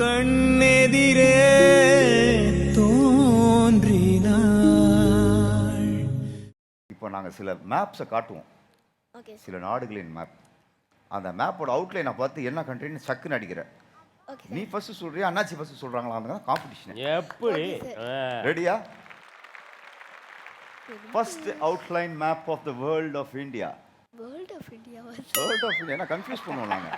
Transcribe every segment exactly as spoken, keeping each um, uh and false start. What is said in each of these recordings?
கண்ணெதிரே தோன்றினாள். இப்போ நாங்கள் சில மேப்ஸை காட்டுவோம், ஓகே சில நாடுகளின் மேப். அந்த மேப்போட அவுட்லைனை பார்த்து என்ன கண்ட்ரின்னு சக்குன்னு அடிக்கிற. ஓகே நீ ஃபர்ஸ்ட் சொல்றியா அண்ணாச்சி ஃபர்ஸ்ட் சொல்றாங்களா? காம்படிஷன். எப்படி ரெடியா? First outline map of the world of India. World of India world of India என்ன கன்ஃபியூஸ் பண்ணுவோம் நாங்க.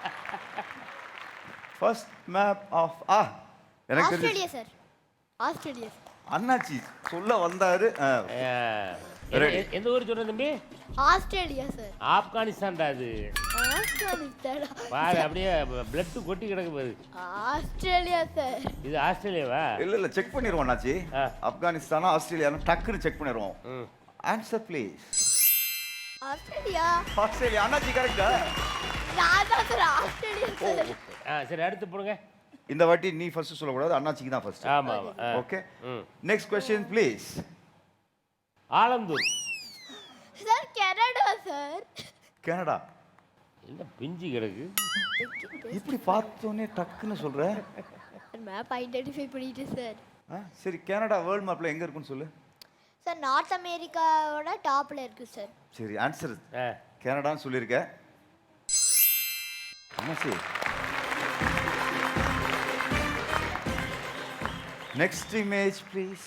ஃபர்ஸ்ட் மேப் ஆஃப் ஆ எனக்கு தெரியும் ஆஸ்திரேலியா சார். ஆஸ்திரேலியா அண்ணாச்சி சொல்ல வந்தாரு. எந்த ஊர் சொல்ற தம்பி? Australia sir. ஆப்கானிஸ்தான்டா அது. ஆஸ்திரேலியா பாரு அப்படியே பிளட் கொட்டி கிடக்கு பாரு. Australia sir. இது ஆஸ்திரேலியாவா? இல்ல இல்ல செக் பண்ணிடுவோம் அண்ணாச்சி. ஆ. ஆப்கானிஸ்தானா ஆஸ்திரேலியானா டக்குன்னு செக் பண்ணிடுவோம். ம். Answer please. ஆஸ்திரேலியா. ஆஸ்திரேலியா அண்ணாச்சி கரெக்டா? நான் தான் சார் ஆஸ்திரேலியா சார். ஆ சரி அடுத்து போடுங்க. இந்த வாட்டி நீ ஃபர்ஸ்ட் சொல்லக்கூடாது, அண்ணாச்சிக்கு தான் ஃபர்ஸ்ட். ஆமா ஆமா. ஓகே. ம். Next question please. Alandur. Sir Canada sir. Canada. என்ன பிஞ்சு கிடக்கு? இப்படி பார்த்தோன்னே டக்குன்னு சொல்ற. மேப் ஐடென்டிஃபை பண்ணிட்டு சார். ஆ, சரி கனடா வேர்ல்ட் மேப்ல எங்க இருக்குன்னு சொல்லு. சார் நார்த் அமெரிக்காவோட டாப்ல இருக்கு சார். சரி ஆன்சர் ஆ. கனடான்னு சொல்லியிருக்க. அண்ணாச்சி நெக்ஸ்ட் இமேஜ் ப்ளீஸ்.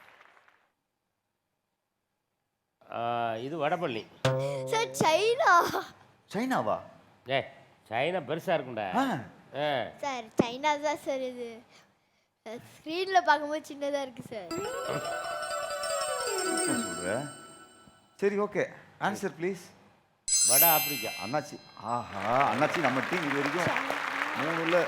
ஆ, இது வடபள்ளி. Sir China. சைனாவா? ஏ சைனா பெருசா இருக்கும்டா. ஆ, ஆ. சார் சைனா தான் சார் இது. ஸ்க்ரீன்ல பார்க்கும்போது சின்னதா இருக்கு சார். என்ன சொல்ற? சரி ஓகே ஆன்சர் ப்ளீஸ். வட ஆப்பிரிக்கா. அண்ணாச்சி ஆஹா அண்ணாச்சி நம்ம டீம் இது வரைக்கும் மூணுல.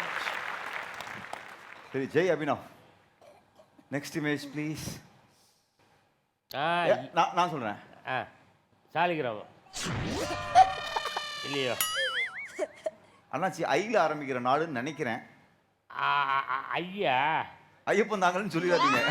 சரி Jai Abhinav. Next image please. ஆ நான் நான் சொல்றேன். ஆ சாலிகிராமம் இல்லையோ? அண்ணாச்சி ஐல ஆரம்பிக்கிற நாடுன்னு நினைக்கிறேன். ஆ, ஆ, ஐயா ஐயப்பன் தாங்கன்னு சொல்லிடாதீங்க.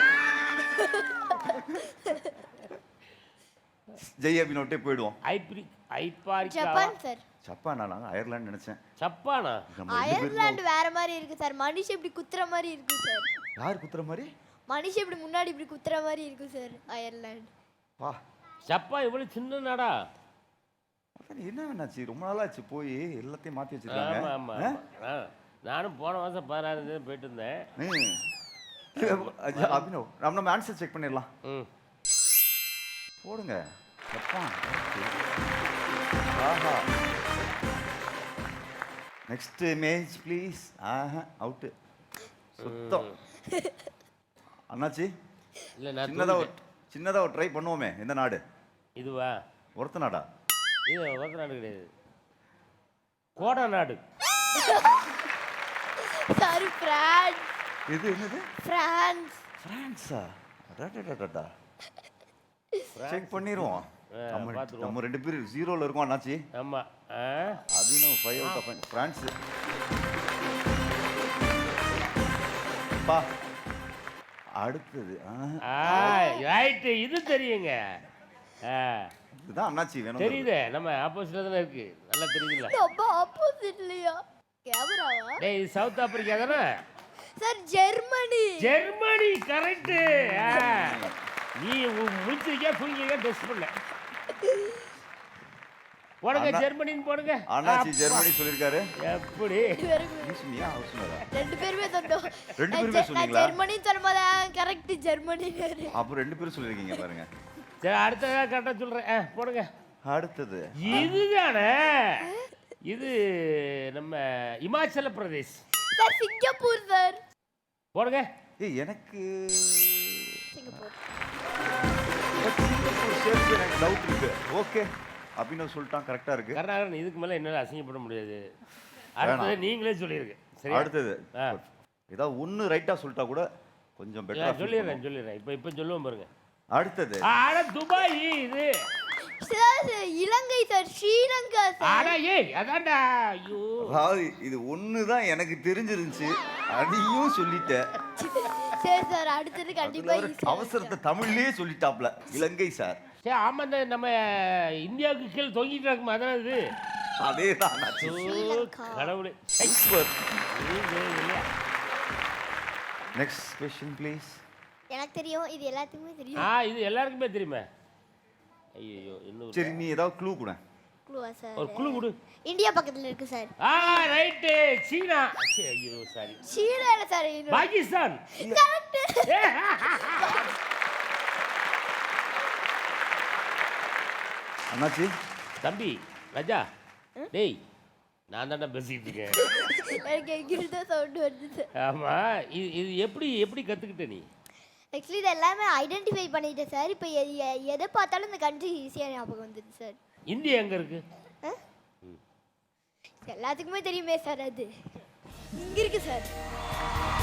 ஜெய் அபினோட்டே போயிடுவோம். ஐப்ரி ஐப்பாரிக்கா. Japan sir. ஜப்பானா? நாங்கள் அயர்லாந்து நினைச்சேன். ஜப்பானா? நம்ம ரெண்டு பேரும் அயர்லாந்து வேற மாதிரி இருக்கு சார். மனுஷன் இப்படி குத்துற மாதிரி இருக்கு சார். யார் குத்துற மாதிரி? மனுஷன் இப்படி முன்னாடி இப்படி குத்துற மாதிரி இருக்கு சார் அயர்லாந்து. வா ஜப்பான் இவ்வளவு சின்ன நாடா? அதான் என்ன வேணாச்சு, ரொம்ப நாளாச்சு போய் எல்லாத்தையும் மாற்றி ஆமா வச்சிருக்காங்க. ஆமா ஆ? நானும் போன மாதம் பதினாறு தேதி போயிட்டு இருந்தேன். ம். அபினவ் நம்ம நம்ம ஆன்சர் செக் பண்ணிடலாம். ம் போடுங்க. ஜப்பான். ஆஹா நெக்ஸ்ட் இமேஜ் ப்ளீஸ். ஆஹா அவுட்டு சுத்தம். அண்ணாச்சி இல்லை நான் சின்னதாக ஒரு தூங்கிட்டேன். சின்னதாக ஒரு ட்ரை பண்ணுவோமே. எந்த நாடு? இதுவா? ஒருத்த நாடா? இது ஒருத்த நாடு கிடையாது, கோடா நாடு. Sorry France. இது என்னது? பிரான்ஸ். பிரான்ஸா? அடடடடடா. செக் பண்ணிடுவோம். நம்ம பார்த்துருவோம். நம்ம ரெண்டு பேரும் ஜீரோவில் இருக்கோம் அண்ணாச்சி. ஆமா. ஆ Abhinav five out of France. பா அடுத்தது ரைட்டு, இது தெரியுங்க. ஆ இதுதான் அண்ணாச்சி வேணும். தெரியுது, நம்ம ஆப்போசிட்ல தானே இருக்கு, நல்லா தெரியுதுல்ல. ரொம்ப ஆப்போசிட்லயா? கேமராவா? டேய் இது சவுத் ஆப்பிரிக்கா தானே? Sir Germany. Germany correct. நீ முடிச்சிருக்கே தூங்கிக்க டெஸ்ட் பண்ண. போடுங்க ஜெர்மனின்னு போடுங்க. அண்ணாச்சி ஜெர்மனி சொல்லிருக்காரு. எப்படி? நீ சொன்னியா அவர் சொன்னாரா? ரெண்டு பேருமே சொன்னோம். ரெண்டு பேருமே சொன்னீங்களா? ஜெர்மனி சொல்லும்போது கரெக்ட் ஜெர்மனி. அப்போ ரெண்டு பேரும் சொல்லிருக்கீங்க பாருங்க. சரி அடுத்ததா கரெக்டா சொல்றேன். ஆ, போடுங்க. அடுத்தது இதுதானே, இது நம்ம Himachal Pradesh. Sir Singapore sir. போடுங்க. ஏய் எனக்கு சிங்கப்பூர். சிங்கப்பூர் சேர்த்து எனக்கு டவுட் இருக்கு. ஓகே அபினவ் சொல்லிட்டான் கரெக்டா இருக்கு. கர்நாடகன் இதுக்கு மேல என்னால அசிங்கப்பட முடியாது. அடுத்தது நீங்களே சொல்லிருங்க. சரி அடுத்தது ஏதாவது ஒன்னு ரைட்டா சொல்லிட்டா கூட கொஞ்சம் பெட்டரா சொல்லிடுறேன் சொல்லிடுறேன். இப்போ இப்போ சொல்லுவோம் பாருங்க. அடுத்தது ஆட துபாய். இது sir Ilangai sir. Sri Lanka sir. ஆட ஏய் அதான்டா. ஐயோ அதாவது இது ஒன்று தான் எனக்கு தெரிஞ்சிருந்துச்சு, அதையும் சொல்லிட்டேன். சரி சார் அடுத்தது கண்டிப்பா அவசரத்தை தமிழ்லயே சொல்லிட்டாப்ல. இலங்கை சார். சரி ஆமா, இந்த நம்ம இந்தியாவுக்கு கீழே தொங்கிட்டு இருக்குமா அதான் இது. அதே தான் கடவுளே. Next question please. எனக்கு தெரியும், இது எல்லாத்துக்குமே ஆ தெரியும். இது எல்லாருக்குமே தெரியுமே. ஐயோ இன்னும் சரி நீ ஏதாவது க்ளூ கூட. க்ளூவா சார்? ஒரு குழு கொடு. இந்தியா பக்கத்துல இருக்கு சார். ஆ ரைட்டு சீனா. சீ, ஐயோ சாரி. சீனா இல்ல சார், இது பாகிஸ்தான். கரெக்ட். அண்ணாச்சி தம்பி ராஜா டேய் நான் தானே பேசிக்கிட்டு இருக்கேன். எனக்கு எங்கிருந்து தான் சவுண்ட் வருது சார். ஆமா இது இது எப்படி எப்படி கத்துக்கிட்ட நீ? ஆக்சுவலி இது எல்லாமே ஐடென்டிஃபை பண்ணிட்டேன் சார். இப்போ எதை பார்த்தாலும் இந்த கண்ட்ரி ஈஸியாக ஞாபகம் வந்துது சார். இந்தியா எங்க இருக்கு? ஆ? எல்லாத்துக்குமே தெரியுமே சார், அது இங்க இருக்கு சார்.